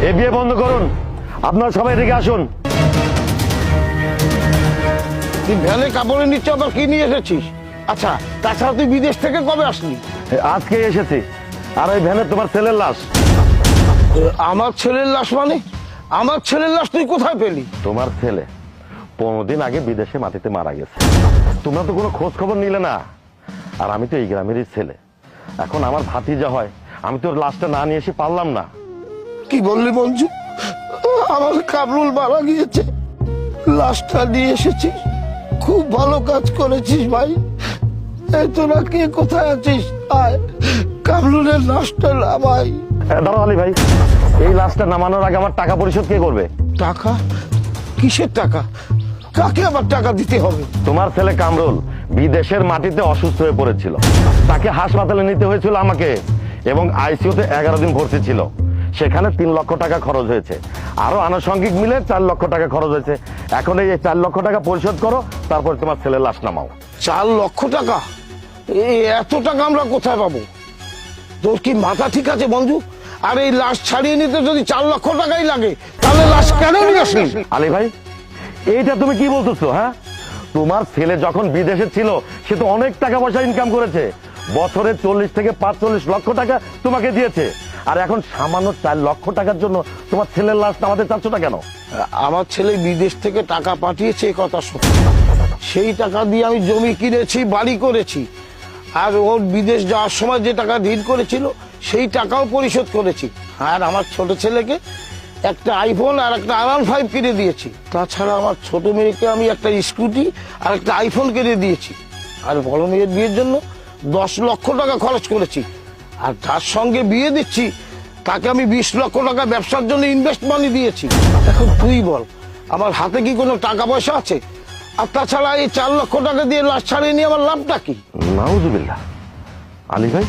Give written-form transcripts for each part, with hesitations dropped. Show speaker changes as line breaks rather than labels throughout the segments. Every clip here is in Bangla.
এই বিয়ে বন্ধ করুন, আপনারা সবাই এদিকে আসুন।
তুই ভ্যানে কাপড়ে নিচ্ছে, আবার কি নিয়ে এসেছিস? আচ্ছা, তাছাড়া তুই বিদেশ থেকে কবে আসলি?
আজকে এসেছি। আর ওই ভ্যানে তোমার ছেলের লাশ।
আমার ছেলের লাশ মানে? আমার ছেলের লাশ তুই কোথায় পেলি?
তোমার ছেলে 15 দিন আগে বিদেশে মাটিতে মারা গেছে, তোমরা তো কোনো খোঁজ খবর নিলে না। আর আমি তো এই গ্রামেরই ছেলে, এখন আমার ভাতিজা হয়, আমি তোর লাশটা না নিয়ে এসে পারলাম না।
কি বললি মঞ্জু? আমার কামরুল মারা গিয়েছে, লাশটা নিয়ে এসেছিস? খুব ভালো কাজ করেছিস ভাই। এই তোরা কে কোথায় আছিস? আয়, কামরুলের লাশটা না ভাই।
দাঁড়াও আলী ভাই, এই লাশটা নামানোর আগে আমার টাকা পরিশোধ কে করবে?
টাকা? কিসের টাকা? কাকে আবার টাকা দিতে হবে?
তোমার ছেলে কামরুল বিদেশের মাটিতে অসুস্থ হয়ে পড়েছিল, তাকে হাসপাতালে নিতে হয়েছিল আমাকে, এবং আইসিইউতে 11 দিন ভর্তি ছিল। সেখানে 3 লক্ষ টাকা খরচ হয়েছে, আরো আনুষঙ্গিক মিলে 4 লক্ষ টাকা খরচ হয়েছে। এখন এই 4 লক্ষ টাকা পরিশোধ করো, তারপর তোমার ছেলের লাশ নামাও।
4 লক্ষ টাকা? এত টাকা আমরা কোথায় পাবো? তোর কি মাথা ঠিক আছে মঞ্জু? আর এই লাশ ছাড়িয়ে নিতে যদি 4 লক্ষ টাকাই লাগে, তাহলে লাশ কেন নিয়ে আসলি?
আলী ভাই, এইটা তুমি কি বলতেছো? হ্যাঁ, তোমার ছেলে যখন বিদেশে ছিল সে তো অনেক টাকা পয়সা ইনকাম করেছে, বছরে 40 থেকে 45 লক্ষ টাকা তোমাকে দিয়েছে, আর এখন সামান্য 4 লক্ষ টাকার জন্য তোমার ছেলের লাশ নামাতে চাচ্ছ না কেন?
আমার ছেলে বিদেশ থেকে টাকা পাঠিয়েছে, এ কথা সত্যি। সেই টাকা দিয়ে আমি জমি কিনেছি, বাড়ি করেছি, আর ওর বিদেশ যাওয়ার সময় যে টাকা ঋণ করেছিল সেই টাকাও পরিশোধ করেছি। আর আমার ছোট ছেলেকে একটা আইফোন আর একটা R15 কিনে দিয়েছি। তাছাড়া আমার ছোট মেয়েকে আমি একটা স্কুটি আর একটা আইফোন কিনে দিয়েছি। আর বড় মেয়ের বিয়ের জন্য 10 লক্ষ টাকা খরচ করেছি। আর যার সঙ্গে বিয়ে দিচ্ছি তাকে আমি 20 লক্ষ টাকা ব্যবসার জন্য ইনভেস্ট মানি দিয়েছি। এখন তুই বল, আমার হাতে কি কোনো টাকা পয়সা আছে? আর তাছাড়া এই 4 লক্ষ টাকা দিয়ে লাশ ছাড়িয়ে নিয়ে আমার লাভটা কি?
নাউজুবিল্লাহ। আলী ভাই,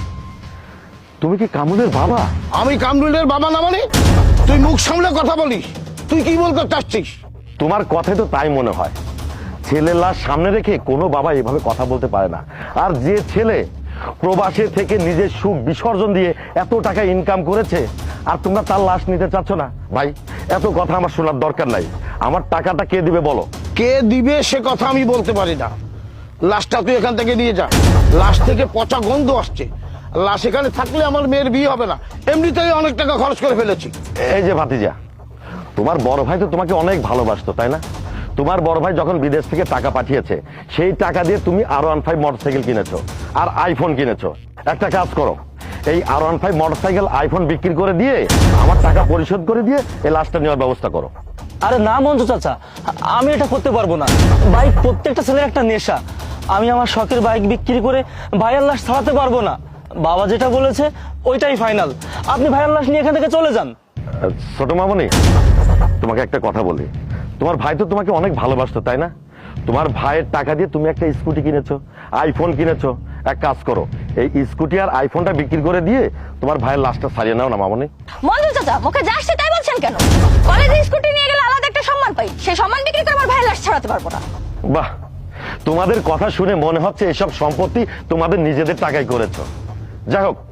তুমি কি কামরুলের বাবা?
আমি কামরুলের বাবা না মানে? তুই মুখ সামলে কথা বলিস। তুই কি বলতে চাচ্ছিস?
তোমার কথাই তো তাই মনে হয়। ছেলের লাশ সামনে রেখে কোনো বাবা এভাবে কথা বলতে পারে না। আর যে ছেলে প্রবাসে থেকে নিজের সুখ বিসর্জন দিয়ে এত টাকা ইনকাম করেছে, আর তোমরা তার লাশ নিতে চাচ্ছ না? ভাই, এত কথা আমার শোনার দরকার নাই। আমার টাকাটা কে দিবে বলো?
কে দিবে সে কথা আমি বলতে পারি না। লাশটা তুই এখান থেকে নিয়ে যা। লাশ থেকে পচা গন্ধ আসছে। লাশ এখানে থাকলে আমার মেয়ের বিয়ে হবে না। এমনিতেই অনেক টাকা খরচ করে ফেলেছি।
এই যে ভাতিজা, তোমার বড় ভাই তো তোমাকে অনেক ভালোবাসতো, তাই না? তোমার বড় ভাই যখন বিদেশ থেকে টাকা পাঠিয়েছে, সেই টাকা দিয়ে তুমি R15 মোটরসাইকেল কিনেছো আর আইফোন কিনেছো। একটা কাজ করো, এই R15 মোটরসাইকেল আইফোন বিক্রি করে দিয়ে আমার টাকা পরিশোধ করে দিয়ে এই লাশটা নেওয়ার ব্যবস্থা করো।
আরে না মঞ্জু চাচা, আমি এটা করতে পারবো না। বাইক প্রত্যেকটা ছেলের একটা নেশা। আমি আমার শখের বাইক বিক্রি করে ভাইয়ের লাশ ছাড়াতে পারবো না। বাবা যেটা বলেছে ওইটাই ফাইনাল। আপনি ভাইয়ের লাশ নিয়ে এখান থেকে চলে যান।
ছোট মামনি, তোমাকে একটা কথা বলি, তোমার ভাই তো তোমাকে অনেক ভালোবাসতো, তাই না? তোমার ভাইয়ের টাকা দিয়ে তুমি একটা স্কুটি কিনেছো, আইফোন কিনেছো। এক কাজ করো, এই স্কুটি আর আইফোনটা বিক্রি করে দিয়ে তোমার ভাইয়ের লাশটা ছাড়িয়ে নাও না মামনি।
মঞ্জু চাচা, মুখে যা আসছে তাই বলছেন কেন? কলেজে স্কুটি নিয়ে গেলে আলাদা একটা সম্মান পাই, সেই সম্মান বিক্রি করে আমার ভাইয়ের লাশ ছাড়াতে পারবো না।
বাহ, তোমাদের কথা শুনে মনে হচ্ছে এসব সম্পত্তি তোমাদের নিজেদের টাকায় করেছো। যাই হোক,